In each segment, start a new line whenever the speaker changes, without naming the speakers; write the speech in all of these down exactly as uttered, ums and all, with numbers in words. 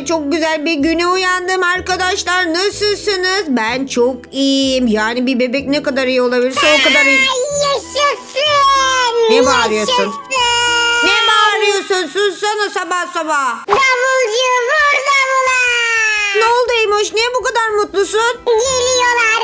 Yine çok güzel bir güne uyandım arkadaşlar. Nasılsınız? Ben çok iyiyim. Yani bir bebek ne kadar iyi olabilirse o kadar iyi.
Yaşasın.
Ne bağırıyorsun?
Yaşasın.
Ne bağırıyorsun? Sussana sabah sabah.
Davulcu vur davula.
Ne oldu Eymoş? Niye bu kadar mutlusun?
Geliyorlar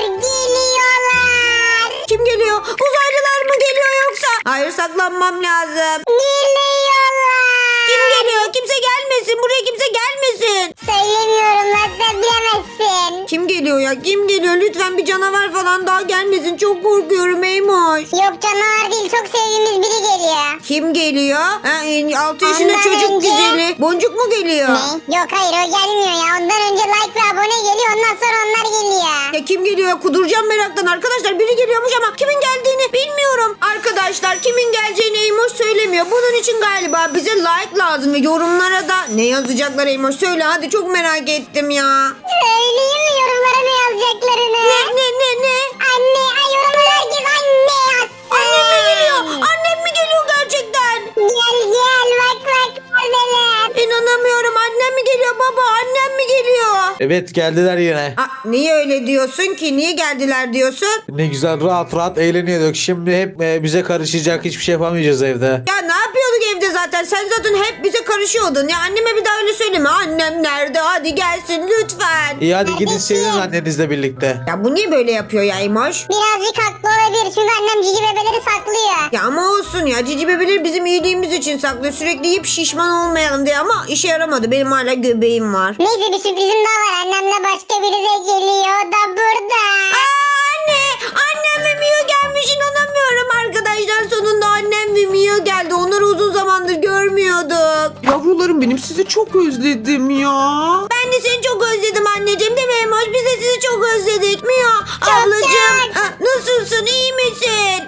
geliyorlar.
Kim geliyor? Uzaylılar mı geliyor yoksa? Hayır, saklanmam lazım.
Geliyorlar.
Kim geliyor? Kimse gelmesin. Buraya kimse gelmesin.
Söylemiyorum lan sen bilemezsin.
Kim geliyor ya? Kim geliyor? Lütfen bir canavar falan daha gelmesin. Çok korkuyorum Eymoş.
Yok canavar değil çok sevdiğimiz biri geliyor.
Kim geliyor? Ha, altı yaşında
Ondan
çocuk
önce-
güzeli. Boncuk mu geliyor?
Ne? Yok hayır o gelmiyor ya. Ondan önce like ve abone geliyor. Ondan sonra onlar geliyor.
Ya kim geliyor? Kuduracağım meraktan. Arkadaşlar biri geliyormuş ama kimin geldiğini bilmiyorum. Arkadaşlar kimin geleceğini Eymoş söylemiyor. Bunun için galiba bize like lazım ve yorumlara da ne yazacaklar Eymoş? Söyle hadi, çok merak ettim ya.
Söyleyeyim mi yorumlara ne yazacaklarını?
Ne ne ne ne?
Anne. Ay yorumlara herkes anne yazsın.
Annem mi geliyor? Annem mi geliyor gerçekten?
Gel gel bak bak neredeler.
İnanamıyorum. Annem mi geliyor baba? Annem mi geliyor?
Evet geldiler yine.
Aa, niye öyle diyorsun ki? Niye geldiler diyorsun?
Ne güzel rahat rahat eğleniyorduk. Şimdi hep e, bize karışacak, hiçbir şey yapamayacağız evde.
Ya ne yapıyorduk evde zaten? Sen zaten hep bize karışıyordun. Ya anneme bir daha öyle söyleme. Annem nerede? Hadi gelsin lütfen.
İyi hadi gidin
Kardeşim.
sevinin annenizle birlikte.
Ya bu niye böyle yapıyor ya Emoş?
Birazcık haklı olabilir çünkü annem cici bebeleri saklıyor.
Ya ama olsun ya. Cici bebeleri bizim iyiliğimiz için saklıyor. Sürekli yiyip şişman olmayalım diye ama işe yaramadı. Benim hala göbeğim var.
Neyse bir sürprizim daha var. Annemle başka biri de geliyor o da burada.
Aa, anne! Annem ve Mio gelmiş, inanamıyorum arkadaşlar. Sonunda annem ve Mio geldi. Onları uzun zamandır görmüyorduk.
Yavrularım benim sizi çok özledim ya.
Ben de seni çok özledim anneciğim, değil mi Emoş? Biz de sizi çok özledik. Mio ablacığım,
çok.
ha, nasılsın, iyi misin?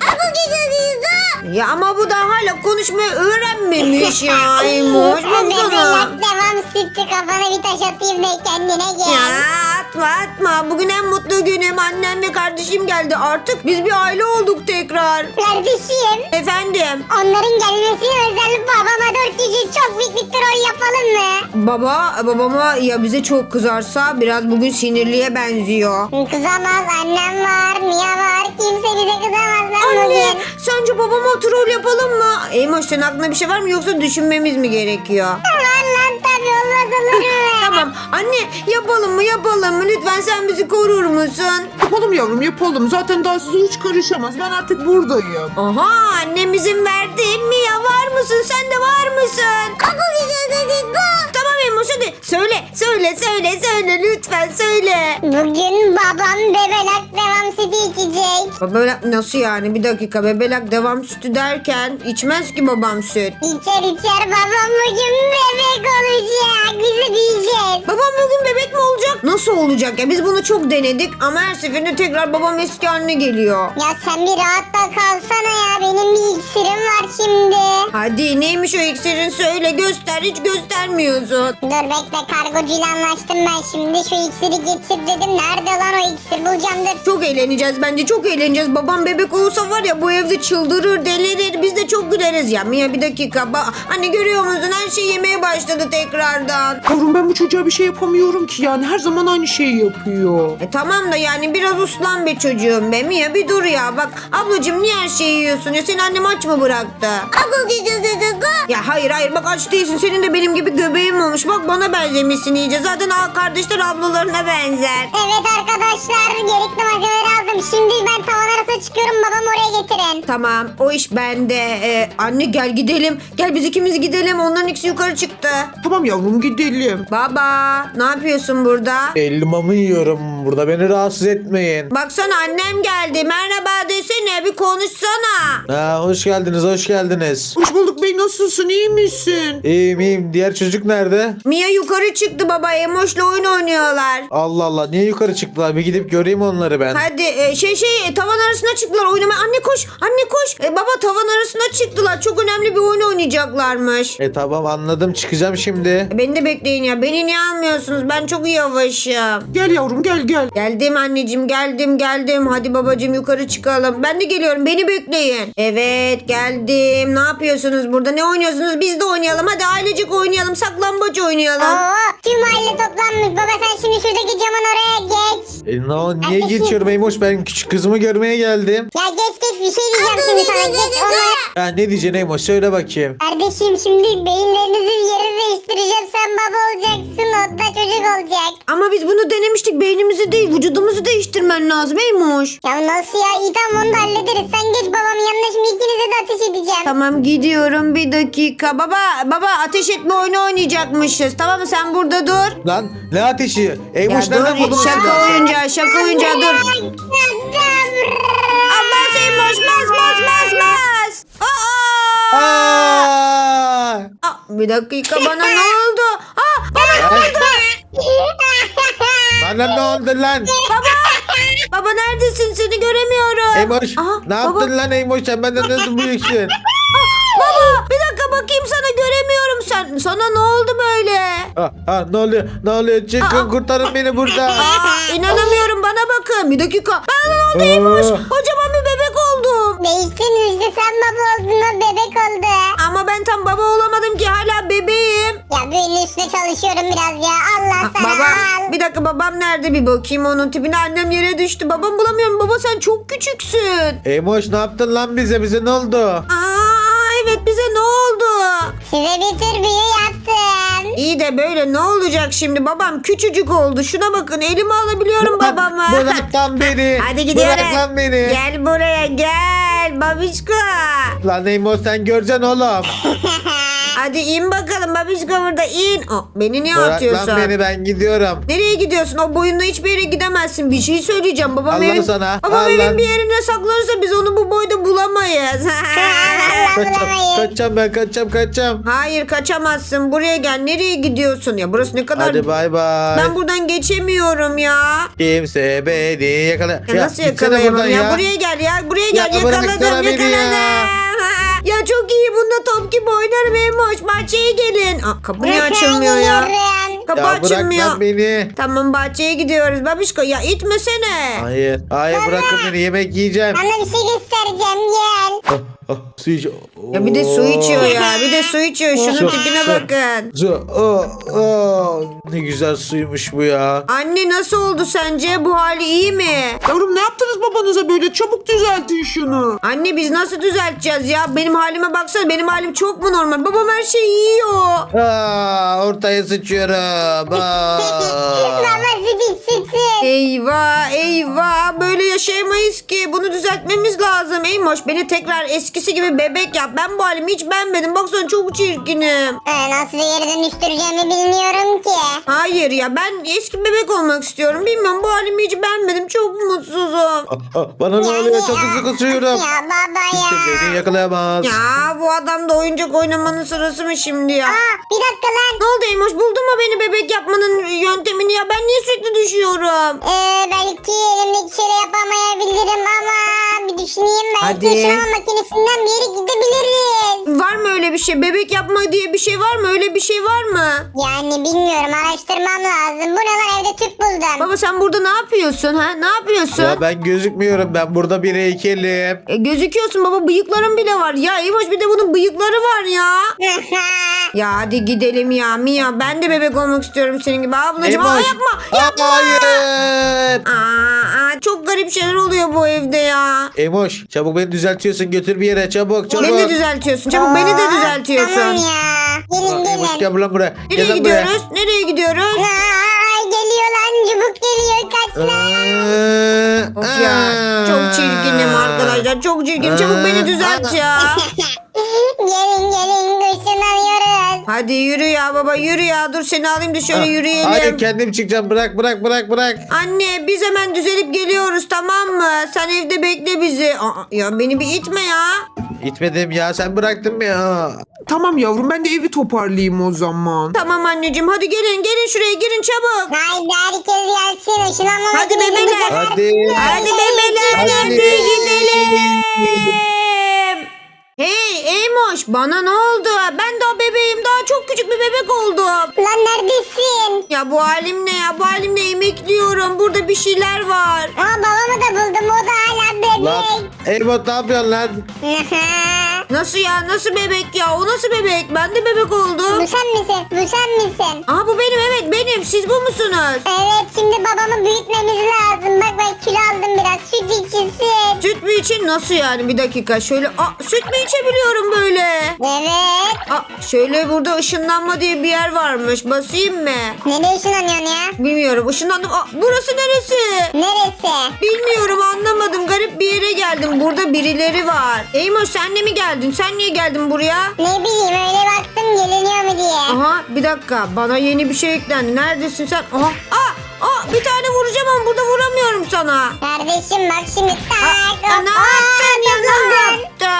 Ya ama bu da hala konuşmayı öğrenmemiş ya Emoş. Baksana.
Bebelak devam sütü kafana bir taş atayım da kendine gel.
Ya atma atma. Bugün en mutlu günüm. Annem ve kardeşim geldi. Artık biz bir aile olduk tekrar.
Kardeşim
Efendim?
onların gelmesine özel babama dört kişi çok büyük bir troll yapalım mı?
Baba, babama ya bize çok kızarsa biraz bugün sinirliye benziyor.
Kızamaz annem var Mia var kimse bize kızamaz lan
Anne,
bugün.
sence babama troll yapalım mı? Eymoş, senin aklına bir şey var mı yoksa düşünmemiz mi gerekiyor?
Var lan tabii olmaz olur mu?
Tamam anne, yapalım mı yapalım mı? Lütfen sen bizi korur musun?
Yapalım yavrum yapalım. Zaten daha size hiç karışamaz. Ben artık buradayım.
Aha, annem izin verdi. Mia var mısın? Sen de var mısın? Tamam Eymoş, hadi söyle söyle söyle söyle lütfen söyle.
Bugün babam bebelak devam sütü içecek.
Bebelak nasıl yani? Bir dakika, bebelak devam sütü derken içmez ki babam süt.
İçer içer babam bugün bebek olacak. Bizi büyüyeceğiz.
Babam bugün bebek mi olacak? Nasıl olacak ya? Biz bunu çok denedik ama her seferinde tekrar babam eski haline geliyor.
Ya sen bir rahat da kalsana ya. Benim bir iksirim var şimdi.
Hadi neymiş o iksirin, söyle, göster, hiç göstermiyorsun.
Dur bekle kargocuyla anlaştım ben şimdi. Şu iksiri getir dedim. Nerede lan o iksir bulacağım dur.
Çok eğleneceğiz bence, çok eğleneceğiz. Babam bebek olursa var ya bu evde çıldırır, delirir. Biz de çok güleriz ya. Mia bir dakika. Ba- Anne görüyor musun? Her şey yemeye başladı tekrardan.
Yavrum ben bu çocuğa bir şey yapamıyorum ki yani. Her zaman aynı şeyi yapıyor.
E tamam da yani biraz uslan be çocuğum be. Mia bir dur ya. Bak ablacığım, niye her şeyi yiyorsun ya? Seni annem aç mı bıraktı? Ya hayır hayır, bak aç değilsin. Senin de benim gibi göbeğin olmuş. Bak bana benzemişsin iyice. Zaten a- kardeşler ablalarına benzer.
Evet arkadaşlar gerekli malzemeleri aldım. Şimdi ben tavan arasına çıkıyorum. Babam oraya getirin.
Tamam, o iş bende. Ee, anne gel gidelim. Gel biz ikimiz gidelim. Onların ikisi yukarı çıktı.
Tamam yavrum gidelim.
Baba ne yapıyorsun burada?
Elmamı yiyorum burada, beni rahatsız etmeyin.
Baksana annem geldi. Merhaba desene, bir konuşsana.
Ha, hoş geldiniz hoş geldiniz.
Hoş bulduk bey, nasılsın, iyi misin?
İyiyim iyiyim, diğer çocuk nerede?
Mia yukarı çıktı baba. Emoş'la oyun oynuyorlar.
Allah Allah, niye yukarı çıktılar, bir gidip göreyim onları ben.
Hadi e, şey şey e, tavan arasına çıktılar oynamaya. Anne koş, anne koş. E, baba tavan arasına çıktılar. Çok önemli bir oyun oynayacaklarmış.
E tamam anladım, çıkacağım şimdi.
E, beni de bekleyin ya. Beni niye almıyorsunuz? Ben çok yavaşım.
Gel yavrum gel gel.
Geldim anneciğim geldim geldim. Hadi babacığım yukarı çıkalım. Ben de geliyorum beni bekleyin. Evet geldim. Ne yapıyorsunuz burada? Ne oynuyorsunuz? Biz de oynayalım. Hadi ailecek oynayalım. Saklambaç oynayalım.
Oo, tüm aile toplanmış. Baba sen şimdi şuradaki camın oraya geç.
E, no, niye
Kardeşim.
geçiyorum Eymoş? Ben küçük kızımı görmeye geldim.
Ya geç geç bir şey diyeceğim şimdi sana. Geç onlara.
Ya ne diyeceksin Eymoş? Söyle bakayım.
Kardeşim şimdi beyinlerinizin yerini değiştireceğim. Sen baba olacaksın. O da çocuk olacak.
Ama biz bunu denemiştik. Beynimizi değil vücudumuzu değiştirmen lazım Eymoş.
Ya nasıl ya? İyi tamam onu da hallederiz. Sen geç babamın yanına şimdi ikinize de ateş edeceğim.
Tamam gidiyorum bir dakika. Baba baba ateş etme oyunu oynayacakmışız. Tamam mı sen burada dur.
Lan ne ateşi? Eymoş
Ya
nereden
dur
buldun o
şaka
silahı?
oyuncağı şaka oyuncağı dur. Abbas Eymoş bas bas bas bas. Aa!
Aa!
Aa, bir dakika bana ne oldu? Aa, baba,
Bana ne oldu lan?
baba neredesin seni göremiyorum.
Eymoş
Aha,
ne
baba,
yaptın lan Eymoş? Sen benden nasıl büyüksün?
Baba bir dakika bakayım sana göremiyorum sen. Sana ne oldu böyle?
Ha, ha, ne oluyor? Ne oluyor? Çıkın kurtarın beni burada.
Aa, inanamıyorum bana bakın. Bir dakika. Ben ne oldu Eymoş? Kocaman bir bebek oldum.
Değiştin işte sen baba oldun o bebek oldu.
Ama ben tam baba olamadım ki hala bebeğim.
Ya büyünün üstüne çalışıyorum biraz ya. Allah sana
Baba
al.
bir dakika babam nerede bir bakayım onun tipine. Annem yere düştü. Babam bulamıyorum. Baba sen çok küçüksün.
Eymoş ne yaptın lan bize? Bize ne oldu?
Aa evet bize ne oldu?
Size bir tür büyü yaptım.
İyi de böyle ne olacak şimdi? Babam küçücük oldu. Şuna bakın elime alabiliyorum babamı.
Bırak lan beni.
Hadi gidiyoruz.
Bırak lan beni.
Gel buraya gel babişko.
Lan Eymoş sen göreceksin oğlum.
Hadi in bakalım babişko burada in. Aa, beni niye
Bırak
atıyorsun?
lan beni ben gidiyorum.
Nereye gidiyorsun? O boyunla hiçbir yere gidemezsin. Bir şey söyleyeceğim. Babam
Allah
evin,
sana.
babam
Allah.
evin bir yerine saklanırsa biz onu bu boyda bulamayız.
Kaçacağım,
Bulamayız.
kaçacağım ben kaçacağım kaçacağım.
Hayır kaçamazsın. Buraya gel. Nereye gidiyorsun? Ya burası ne kadar...
Hadi bay bay.
Ben buradan geçemiyorum ya.
Kimse beni yakala.
Ya, nasıl
gitsene
yakalayamam
buradan
ya? Buraya gel ya. Buraya gel.
Ya bıraksana
yakaladım
beni
yakaladım.
ya.
Ya çok iyi. Bunda top gibi oynarım. Emoş. Bahçeye gelin. Aa, kapı niye açılmıyor ya?
Geliyorum.
Kapı
Ya bırak
açılmıyor.
lan beni.
Tamam bahçeye gidiyoruz. Babişko ya itmesene.
Hayır. Hayır bırakın beni yemek yiyeceğim.
Sana bir şey göstereceğim gel.
Ah, ah, su iç.
Ya bir de su içiyor ya. Bir de su içiyor. Şunun
Su,
tipine
su.
bakın.
Su. Oh, oh. Ne güzel suymuş bu ya.
Anne nasıl oldu sence? Bu hali iyi mi?
Yavrum ne yaptınız babanıza böyle? Çabuk düzeltin şunu.
Anne biz nasıl düzelteceğiz ya? Benim halime baksana. Benim halim çok mu normal? Babam her şeyi yiyor.
Aa, ortaya sıçıyorum. Aa.
Babası bir sütün.
Eyvah eyvah. Böyle yaşayamayız ki. Bunu düzeltmemiz lazım. Eymoş beni tekrar eskisi gibi bebek yap. Ben bu halimi hiç beğenmedim. Baksana çok çirkinim.
Ee, nasıl bir yere dönüştüreceğimi bilmiyorum ki.
Hayır ya ben eski bebek olmak istiyorum. Bilmiyorum bu halimi hiç beğenmedim. Çok mutsuzum.
Ah, ah, bana ne oluyor? Çok hızlı kusuyorum.
Ya baba
Kimse
ya.
beni yakalayamaz.
Ya bu adam da oyuncak oynamanın sırası mı şimdi ya?
Aa, bir dakika lan.
Ne oldu Eymoş buldun mu beni bebek yapmanın yöntemini ya? Ben niye sürekli düşüyorum?
Ee, belki elimdeki şeyle yapamayabilirim ama bir düşüneyim. Belki
Hadi.
şu an makinesinden bir yere gidebiliriz.
Var mı öyle bir şey? Bebek yapma diye bir şey var mı? Öyle bir şey var mı?
Yani bilmiyorum araştırmam lazım. Bu ne lan evde tüp buldum.
Baba sen burada ne yapıyorsun ha? Ne yapıyorsun?
Ya ben gözükmüyorum. Ben burada bir heykelim.
E, gözüküyorsun baba bıyıkların bile var. Ya Eymoş bir de bunun bıyıkları var ya. Ya hadi gidelim ya Mia. Ben de bebek olmak istiyorum senin gibi. Ablacığım aa,
Eymoş.
yapma. Yapma.
Hayır.
Aa, aa, çok garip şeyler oluyor bu evde ya.
Emoş çabuk beni düzeltiyorsun. Götür bir yere çabuk çabuk.
Beni de düzeltiyorsun. Çabuk beni de düzeltiyorsun.
Tamam ya. Gelin
Emoş
gelin.
gel lan buraya.
Nereye
Gel lan
gidiyoruz? Nereye gidiyoruz?
Aa, geliyor lan çubuk geliyor kaç lan.
buraya.
Of ya. Çok çirkinim arkadaşlar. Çok çirkinim. Çabuk beni düzelt ya.
Gelin gelin ışınlanıyoruz.
Hadi yürü ya baba yürü ya. Dur seni alayım da şöyle yürüyelim.
Hayır kendim çıkacağım. Bırak bırak bırak bırak.
Anne biz hemen düzelip geliyoruz tamam mı? Sen evde bekle bizi. Aa, ya beni bir itme ya.
İtmedim ya sen bıraktın mı ya?
Tamam yavrum ben de evi toparlayayım o zaman.
Tamam anneciğim hadi gelin gelin şuraya girin çabuk.
Haydi herkes gelsin ışınlanma
Hadi
makinesi
bebeler.
bu sefer
Hadi.
Hadi bebeler
Hadi.
hadi gidelim. Hey Eymoş, bana ne oldu? Ben daha bebeğim, daha çok küçük bir bebek oldum.
Lan neredesin?
Ya bu halim ne ya? Bu halimle emekliyorum. Burada bir şeyler var.
Aa babamı da buldum, o da hala
Lan
bebek.
Elbot ne yapıyorsun lan?
Nasıl ya? Nasıl bebek ya? O nasıl bebek? Ben de bebek
Bu
oldum.
sen misin? Bu sen misin?
Aa bu benim, evet benim. Siz bu musunuz?
Evet, şimdi babamı büyütmemiz lazım. Bak ben kilo aldım biraz. Süt içilsin.
Süt mü için? Nasıl yani? Bir dakika şöyle. Aa süt mü içebiliyorum böyle?
Evet.
Aa şöyle burada ışınlanma diye bir yer varmış. Basayım mı?
Nereye ışınlanıyorsun ya?
Bilmiyorum. Işınlandım. Aa burası neresi?
Neresi?
Bilmiyorum, anlamadım. Garip bir yere geldim. Burada birileri var. Eymoş sen de mi geldin? Sen niye geldin buraya?
Ne bileyim, öyle baktım geliniyor mu diye.
Aha bir dakika. Bana yeni bir şey eklendi. Neredesin sen? Aha. Aa, aa bir tane vuracağım ama burada vuramıyorum sana.
Kardeşim bak şimdi. Tak.
Aa, ne
hop.
yaptın ya? Ne
Aa,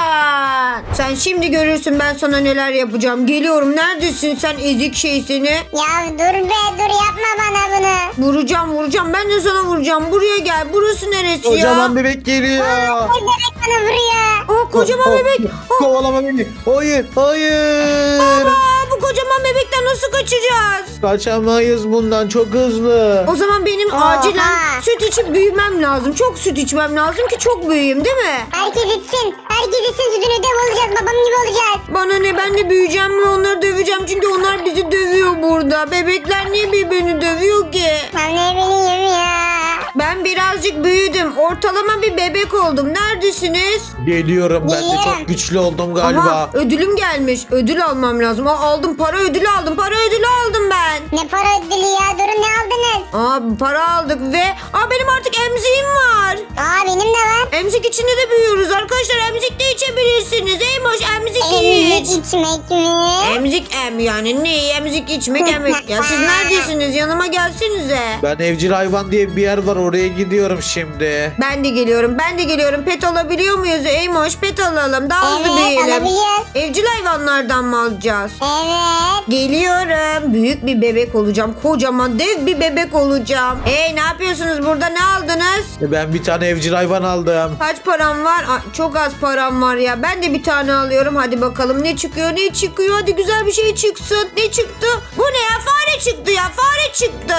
yaptın? Sen şimdi görürsün ben sana neler yapacağım. Geliyorum. Neredesin sen ezik şey seni?
Ya dur be, dur yapma bana bunu.
Vuracağım vuracağım. Ben de sana vuracağım. Buraya gel. Burası neresi
Kocaman
ya?
bebek geliyor.
Ay bebek bana vuruyor.
Aa kocaman
Oh,
bebek.
oh, Kovalama beni. Hayır, hayır.
Aa, bu kocaman bebekten nasıl kaçacağız?
Kaçamayız bundan, çok hızlı.
O zaman benim
Oha.
acilen süt içip büyümem lazım. Çok süt içmem lazım ki çok büyüyeyim değil mi?
Herkes içsin. Herkes içsin, sütünü dev olacağız. Babam gibi olacağız.
Bana ne, ben de büyüyeceğim ve onları döveceğim. Çünkü onlar bizi dövüyor burada. Bebekler niye birbirini dövüyor ki?
Ben ne bileyim ya.
Ben birazcık büyüdüm. Ortalama bir bebek oldum. Neredesiniz?
Geliyorum, ben de
Geliyorum.
çok güçlü oldum galiba.
Aha, ödülüm gelmiş. Ödül almam lazım. Aa, aldım, para ödülü aldım. Para ödülü aldım ben.
Ne para ödülü ya? Durun, ne aldınız?
Aa para aldık ve aa benim artık emziğim var.
Aa benim de var.
Emzik içinde de büyüyoruz arkadaşlar. Emzik de içebilirsiniz. Eymoş emzik iç.
Emzik içmek mi?
Emzik em yani ne? Emzik içmek emek. Ya siz neredesiniz? Yanıma gelsinize.
Ben evcil hayvan diye bir yer var, oraya gidiyorum şimdi.
Ben de geliyorum. Ben de geliyorum. Pet alabiliyor muyuz? Eymoş pet alalım. Daha hızlı
Evet,
büyüyelim.
alabiliyoruz.
Evcil hayvanlardan mı alacağız?
Evet.
Geliyorum. Büyük bir bebek olacağım. Kocaman dev bir bebek olacağım. Hey ne yapıyorsunuz burada? Ne aldınız?
E, Ben bir tane evcil hayvan aldım.
Kaç param var? Aa, çok az param var ya. Ben de bir tane alıyorum. Hadi bakalım ne çıkıyor? Ne çıkıyor? Hadi güzel bir şey çıksın. Ne çıktı? Bu ne ya? Fare çıktı ya. Fare çıktı.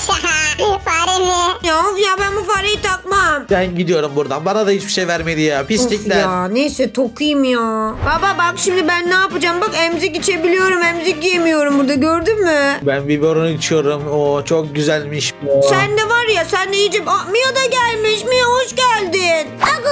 Fare mi?
Ya of ya ben bu fareyi takmam.
Ben gidiyorum buradan. Bana da hiçbir şey vermedi ya.
Of
Pislikler.
ya neyse tokayım ya. Baba bak şimdi ben ne yapacağım? Bak emzik içebiliyorum. Emzik yemiyorum burada. Gördün mü?
Ben biberon içiyorum. O çok güzelmiş bu.
Sen de var ya sen de iyice... Aa, Mia da gelmiş. Mia hoş geldin.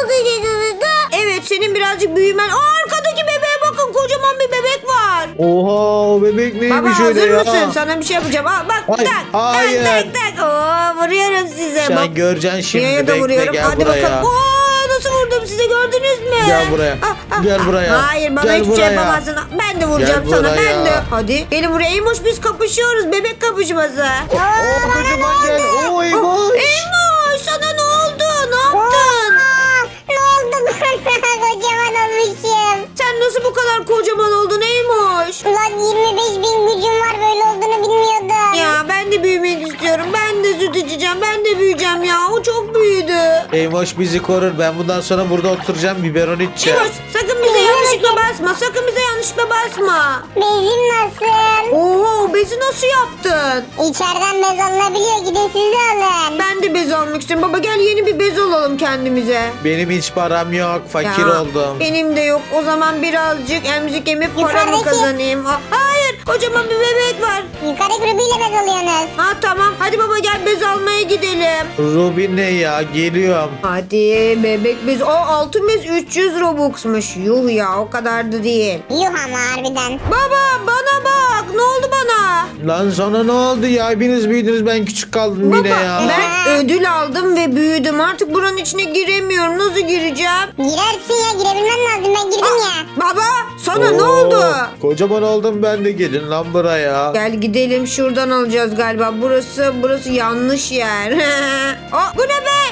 Evet senin birazcık büyümen... Aa, arkadaki bebeğe bakın kocaman bir bebek var.
Oha, o bebek neymiş
Baba
öyle
hazır
ya?
mısın? Sana bir şey yapacağım. Aa, bak
Hayır,
tak.
hayır.
Tak tak tak. Oo, vuruyorum size.
Sen
Bak,
göreceksin şimdi.
Mia'ya da
Bekle,
vuruyorum.
gel
Hadi
buraya.
bakalım. Oo, nasıl vurdum size gördünüz mü?
Gel buraya.
Ah, ah,
Gel
ah.
buraya.
Hayır bana
Gel
hiçbir şey
buraya.
yapamazsın. Ben de vuracağım
Gel
sana.
buraya.
Ben de. Hadi gelin buraya. Eymoş biz kapışıyoruz. Bebek kapışması.
Oo, kocaman gel. Oo, eyvah.
Eymoş sana ne oldu? Ne yaptın?
Aa, ne oldu bana? Kocaman olmuşum.
Sen nasıl bu kadar kocaman oldun Eymoş?
Ulan yirmi beş bin gücüm var, böyle olduğunu bilmiyordum.
Ya ben de büyümek istiyorum. Ben de süt içeceğim. Ben de büyüyeceğim ya. O çok büyüdü.
Eymoş bizi korur. Ben bundan sonra burada oturacağım. Biberon içeceğim.
Eymoş sakın bize yanlışlıkla basma. Sakın bize yanlışlıkla basma.
Bezim nasıl?
Oho bezi nasıl yaptın?
İçeriden bez alınabiliyor, gidin siz de alın.
Ben de bez almak istiyorum. Baba gel yeni bir bez alalım kendimize.
Benim hiç param yok. Fakir
Ya,
oldum.
Benim de yok. O zaman birazcık emzik emip para mı
Yukarıdaki-
kazanayım? Ha, hayır kocaman bir bebek var.
Yukarı grubiyle bez alıyorsunuz.
Ha tamam hadi baba gel bez almaya gidelim.
Ruby ne ya? Geliyorum.
Hadi bebek bez. O altın bez üç yüz Robux'muş. Yuh ya o kadar da değil.
Yuh ama harbiden.
Baba bana bak ne oldu bana?
Lan sana ne oldu ya? Hepiniz büyüdünüz, ben küçük kaldım yine
Baba
ya.
ben ödül aldım ve büyüdüm. Artık buranın içine giremiyorum. Nasıl gireceğim?
Girersin ya, girebilmen lazım, ben girdim ya.
Baba sana ne
Oo,
oldu?
Kocaman oldum ben de, gelin lan buraya.
Gel gidelim şuradan alacağız galiba. Burası burası yanlış yer. Aa, bu ne be? Eymoş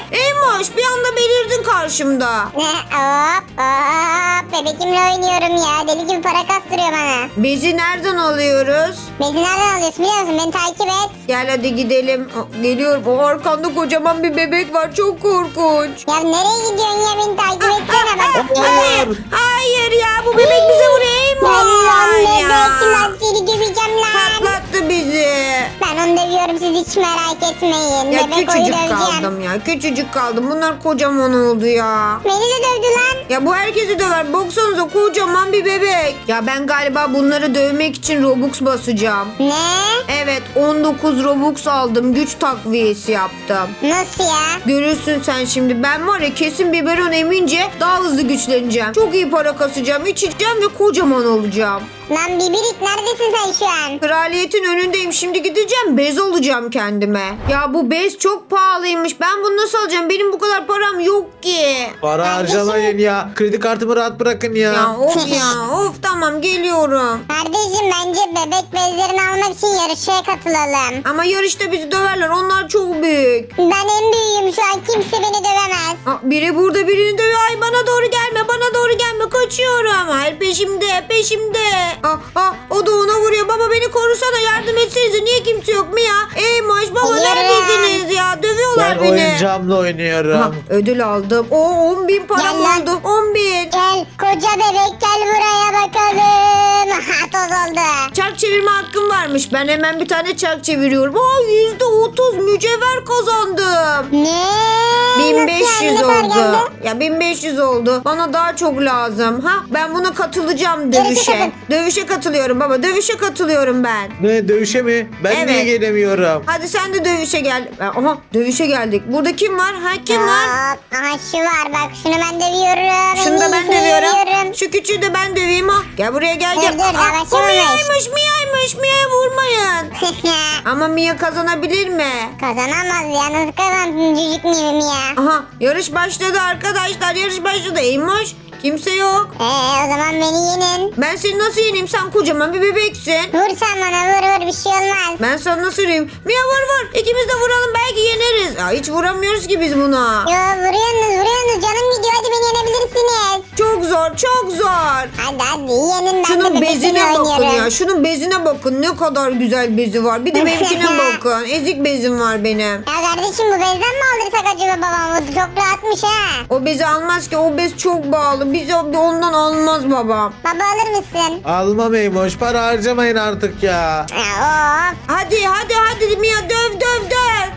Eymoş bir anda belirdin karşımda.
Ne? Hop hop. Bebekimle oynuyorum ya. Deli gibi para kastırıyor bana.
Bezi nereden alıyoruz?
Bezi nereden alıyorsun biliyor musun? Beni takip et.
Gel hadi gidelim. Aa, geliyorum. O arkanda kocaman bir bebek var. Çok korkunç.
Ya nereye gidiyorsun ya? Beni takip etsene bak.
Hayır. Hayır ya bu bebek bize vuruyor.
Lan
Eymoş
bebek
ya.
lan seni döveceğim lan.
Patlattı bizi.
Ben onu dövüyorum siz hiç merak etmeyin.
Ya
Bebek oyu
küçücük
döveceğim.
kaldım ya. Küçücük kaldım. Bunlar kocaman oldu ya.
Beni de dövdü lan.
Ya bu herkesi döver. Baksanıza kocaman bir bebek. Ya ben galiba bunları dövmek için Robux basacağım.
Ne?
Evet on dokuz Robux aldım. Güç takviyesi yaptım.
Nasıl ya?
Görürsün sen şimdi. Ben var ya kesin biberon emince daha hızlı güçleneceğim. Çok iyi para kasacağım. İçeceğim ve kocaman olacağım.
Lan Bibirik neredesin sen şu an?
Kraliyetin önündeyim. Şimdi gideceğim. Bez alacağım kendime. Ya bu bez çok pahalıymış. Ben bunu nasıl alacağım? Benim bu kadar param yok ki.
Para
Kardeşim.
harcamayın ya. Kredi kartımı rahat bırakın ya.
Ya of ya. Of tamam geliyorum.
Kardeşim bence bebek bezlerini almak için yarışmaya katılalım.
Ama yarışta bizi döverler. Onlar çok büyük.
Ben en büyüğüm şu an kimse beni dövemez.
Aa, biri burada birini dövüyor. Ay bana doğru gelme. Bana doğru gelme. Kaçıyorum. Hayır peşimde. Peşimde. Ah, ah, o da ona vuruyor. Baba beni korusana. Yardım etsenize. Niye kimse yok mu ya? Ey maş baba
Geliyorum.
neredesiniz ya? Dövüyorlar
Ben
beni.
oyuncağımla oynuyorum.
Ha, ödül aldım. O on bin param
Gel lan.
oldu. on bin.
Gel koca bebek gel buraya bakalım. Ha toz oldu.
Çark çevirme hakkım varmış. Ben hemen bir tane çark çeviriyorum. Aa yüzde otuz mücevher kazandım.
Ne?
bin beş
Nasıl
yüz
yani? Ne kadar
oldu.
geldi?
Ya bin beş yüz oldu. Bana daha çok lazım. Ha ben buna katılacağım
Yarışa
dövüşe.
katıl.
Dövüşe katılıyorum baba. Dövüşe katılıyorum ben.
Ne dövüşe mi? Ben
Evet.
niye gelemiyorum?
Hadi sen de dövüşe gel. Aha dövüşe geldik. Burada kim var? Ha kim var?
Hop, aha şu var bak şunu ben dövüyorum.
Şunu da
En
ben
iyisini
dövüyorum.
dövüyorum.
Şu küçüğü de ben döveyim ha. Gel buraya gel
Dur,
gel.
dur,
Aa,
yavaş
bu
yavaş.
Mia'ymış Mia'ymış. Mia'ya vurmayın. Ama Mia kazanabilir mi?
Kazanamaz ya nasıl kazansın cücük miyim ya?
Aha yarış başladı arkadaşlar. Yarış başladı. Eymoş kimse yok.
Eee o zaman beni yenin.
Ben seni nasıl yeneyim? Sen kocaman bir bebeksin.
Vur sen bana vur vur bir şey olmaz.
Ben sana nasıl yeneyim? Mia vur vur. İkimiz de vuralım belki yeneriz. Ya hiç vuramıyoruz ki biz buna.
Yo vuruyorsunuz vuruyorsunuz canım gidiyor hadi beni yenebilirsiniz.
Çok zor çok zor.
Hadi hadi yenin ben de
Şunun
bebekimle
bezine bakın
oynuyorum.
ya. Şunun bezine bakın. Ne kadar güzel bezi var. Bir de benimkine bakın. Ezik bezim var benim.
Ya kardeşim bu bezden mi aldırsak acaba babam? Bu çok rahatmış ha.
O bezi almaz ki. O bez çok bağlı. Biz ondan almaz babam.
Baba alır mısın?
Almam Eymoş. Para harcamayın artık ya.
Ya of.
Hadi hadi hadi Mia döv döv döv.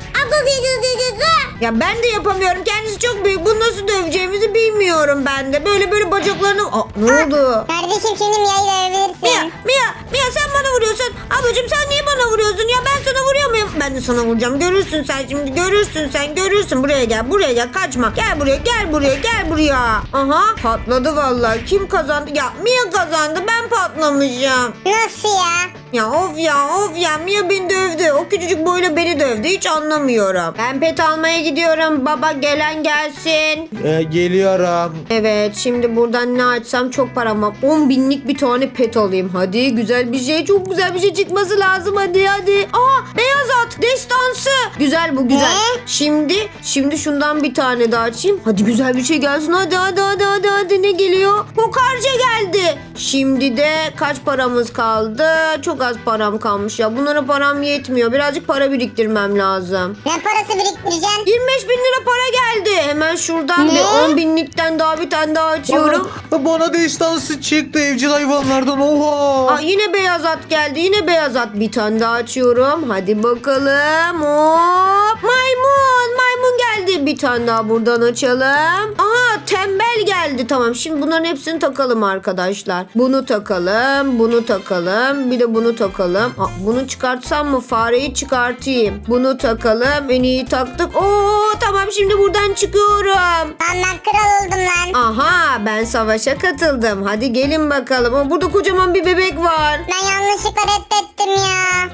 Ya ben de yapamıyorum. Kendisi çok büyük. Bunu nasıl döveceğimizi bilmiyorum ben de. Böyle böyle bacaklarını... Aa, ne oldu?
Kardeşim şimdi Mia'yı
Mia,
dövebilirsin.
Mia, Mia sen bana vuruyorsun. Ablacığım sen niye bana vuruyorsun? Ya ben sana vuruyor muyum? Ben de sana vuracağım. Görürsün sen şimdi. Görürsün sen. Görürsün. Buraya gel. Buraya gel. Kaçma. Gel buraya. Gel buraya. Gel buraya. Aha patladı vallahi. Kim kazandı? Ya Mia kazandı. Ben patlamışım.
Nasıl ya?
Ya of ya of ya Mia beni dövdü. O küçücük boyla beni dövdü. Hiç anlamıyorum. Ben pet almaya gidiyorum. Baba gelen gelsin.
Ee, geliyorum.
Evet şimdi buradan ne açsam çok param var. on binlik bir tane pet alayım. Hadi güzel bir şey. Çok güzel bir şey çıkması lazım. Hadi hadi. Aa beyaz at. Destansı. Güzel bu güzel.
Ne?
Şimdi şimdi şundan bir tane daha açayım. Hadi güzel bir şey gelsin. Hadi hadi hadi hadi hadi ne geliyor? Kokarca geldi. Şimdi de kaç paramız kaldı? Çok az param kalmış ya. Bunlara param yetmiyor. Birazcık para biriktirmem lazım.
Ne parası biriktireceksin?
yirmi beş bin lira para geldi. Hemen şuradan
Ne?
bir on binlikten daha bir tane daha açıyorum.
Bana, bana destansı çıktı evcil hayvanlardan. Oha.
Aa, yine beyaz at geldi. Yine beyaz at. Bir tane daha açıyorum. Hadi bakalım. Hop. Maymun. Maymun geldi. Bir tane daha buradan açalım. Aha tembel geldi. Tamam şimdi bunların hepsini takalım arkadaşlar. Bunu takalım. Bunu takalım. Bir de bunu takalım. Aa, bunu çıkartsam mı? Fareyi çıkartayım. Bunu takalım. En iyi taktık. Oo tamam şimdi buradan çıkıyorum.
Lan ben kral oldum lan.
Aha ben savaşa katıldım. Hadi gelin bakalım. Aa, burada kocaman bir bebek var.
Ben yanlışlıkla reddettim ya.
Aa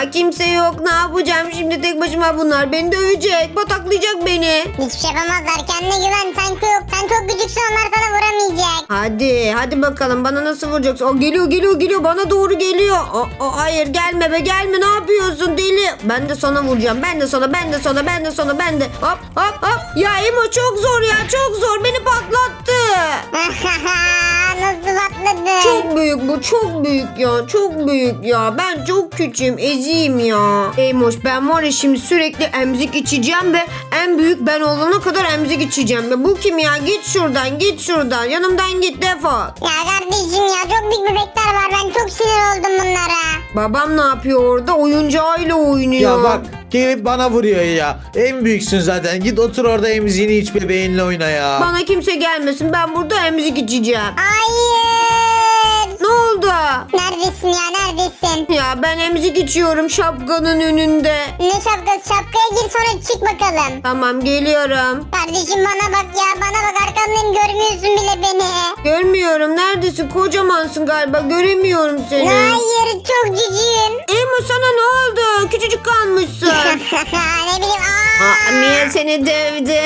Ya kimse yok. Ne yapacağım şimdi tek başıma, bunlar beni dövecek. Pataklayacak beni.
Hiçbir şey yapamazlar. Kendine güven. Sen çok, sen çok küçüksün. Onlar sana vuramayacak.
Hadi hadi bakalım, bana nasıl vuracaksın? O geliyor geliyor geliyor, bana doğru geliyor. O, o, hayır gelme be, gelme, ne yapıyorsun deli? Ben de sana vuracağım. Ben de sana, ben de sana, ben de sana, ben de. Hop hop hop. Ya Emo çok zor ya, çok zor. Beni patlattı.
Nasıl patladı?
Çok büyük bu, çok büyük ya, çok büyük ya. Ben çok küçüğüm, eziyim ya. Eymoş, ben var ya şimdi sürekli emzik içeceğim ve en büyük ben olana kadar emzik içeceğim. Ve bu kim ya? Git şuradan, git şuradan. Yanımdan git, defol.
Ya kardeşim ya, çok büyük bebekler var. Ben çok sinir oldum bunlara.
Babam ne yapıyor orada? Oyuncağıyla oynuyor.
Ya bak gelip bana vuruyor ya. En büyüksün zaten. Git otur orada emziğini iç, bebeğinle oyna ya.
Bana kimse gelmesin. Ben burada emzik içeceğim.
Hayır.
Ne oldu?
Neredesin ya, neredesin?
Ya ben emzik içiyorum şapkanın önünde.
Ne şapkası? Şapkaya gir sonra çık bakalım.
Tamam, geliyorum.
Kardeşim bana bak ya, bana bak, arkandayım, görmüyorsun bile beni.
Görmüyorum. Neredesin? Kocamansın galiba. Göremiyorum seni.
Hayır, çok cücüğüm.
Emo sana ne oldu? Küçücük kalmışsın.
Ne bileyim. Aa.
Aa, Mia seni dövdü.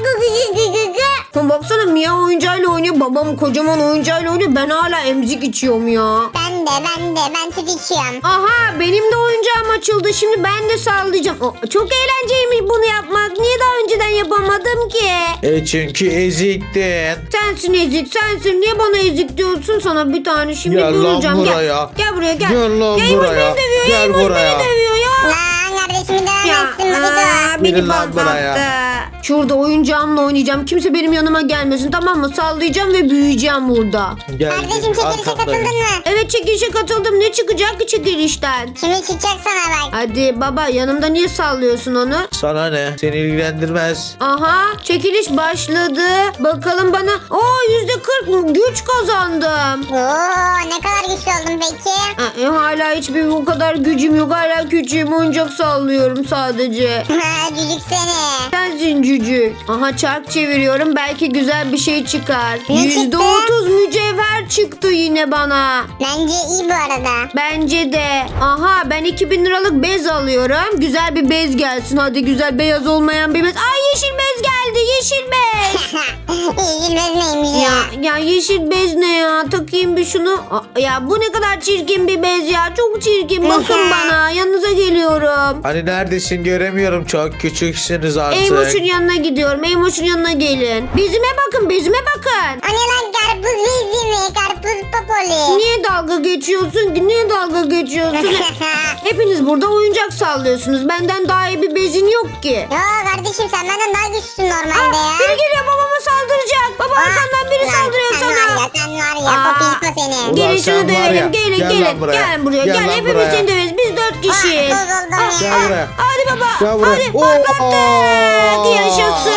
Ha, baksana, Mia oyuncağıyla oynuyor. Babam kocaman oyuncağıyla oynuyor. Ben hala emzik içiyorum ya.
Ben de, ben de, ben süt içiyorum.
Aha, benim de oyuncağım açıldı. Şimdi ben de sallayacağım. O, çok eğlenceliymiş bunu yapmak. Niye daha önceden yapamadım ki?
E çünkü eziktin.
Sensin ezik, sensin. Niye bana ezik diyorsun? Sana bir tane şimdi
Gel lan
vuracağım. Gel.
buraya.
Gel buraya gel.
Gel lan
Ya, Eymoş
buraya.
beni dövüyor.
Gel
Eymoş
buraya.
beni dövüyor ya.
Lan kardeşimi
Ya,
dövemezsin Mamido.
aa, beni
Gelin lan
patlattı.
buraya.
Şurada oyuncağımla oynayacağım. Kimse benim yanıma gelmesin, tamam mı? Sallayacağım ve büyüyeceğim burada.
Gel,
Kardeşim çekilişe
arkandayım.
katıldın mı?
Evet, çekilişe katıldım. Ne çıkacak ki çekilişten?
Şimdi çıkacak sana bak.
Hadi baba, yanımda niye sallıyorsun onu?
Sana ne? Seni ilgilendirmez.
Aha, çekiliş başladı. Bakalım bana. Oo, yüzde kırk güç kazandım.
Oo, ne kadar güçlü oldun peki?
Ee, hala hiçbir o kadar gücüm yok. Hala küçüğüm, oyuncak sallıyorum sadece.
Cücük seni.
Sensin cücük. Aha, çark çeviriyorum. Belki güzel bir şey çıkar.
Ne
Yüzde
çıktı?
otuz mücevher çıktı yine bana.
Bence iyi bu arada.
Bence de. Aha, ben iki bin liralık bez alıyorum. Güzel bir bez gelsin. Hadi güzel, beyaz olmayan bir bez. Ay, yeşil bez geldi. Yeşil bez.
Üzülmez neymiş ya?
Ya, ya yeşil bez ne ya? Takayım bir şunu. Aa, ya bu ne kadar çirkin bir bez ya. Çok çirkin. Bakın bana. Yanınıza geliyorum.
Hani neredesin, göremiyorum, çok küçüksünüz artık.
Eymoş'un yanına gidiyorum. Eymoş'un yanına gelin. Bezime bakın, bezime bakın.
O ne lan, karpuz bezi mi? Karpuz popoli.
Niye dalga geçiyorsun ki? Niye dalga geçiyorsun? Hepiniz burada oyuncak sallıyorsunuz. Benden daha iyi bir bezin yok ki.
Yo kardeşim, sen benden daha güçlüsün normalde
Aa,
ya.
biri geliyor, babama saldıracak. Baba,
Aa,
arkandan biri
lan
saldırıyor
sen
sana.
Var ya, sen var ya,
Aa,
popişko seni.
Ulan
Gelin
sen
şunu
var ya,
dövelim. Gelin
gel
gelin.
lan buraya.
Gel buraya.
Gel
Gel,
lan
hepimiz
buraya.
seni döveriz. Biz dört kişiyiz.
Aa, dur, dur, dur.
Gel
Aa,
buraya.
Hadi baba.
Gel buraya.
Hadi
Oo.
patlattık. Yaşasın.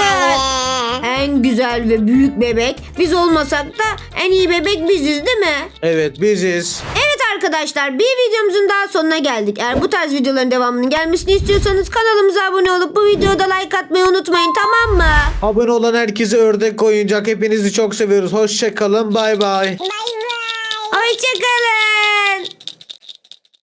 Ee,
En güzel ve büyük bebek biz olmasak da en iyi bebek biziz, değil mi?
Evet, biziz.
Evet arkadaşlar, bir videomuzun daha sonuna geldik. Eğer bu tarz videoların devamının gelmesini istiyorsanız kanalımıza abone olup bu videoda like atmayı unutmayın, tamam mı?
Abone olan herkese ördek oyuncak. Hepinizi çok seviyoruz. Hoşça kalın. Bay bay.
Bay bay.
Hoşçakalın.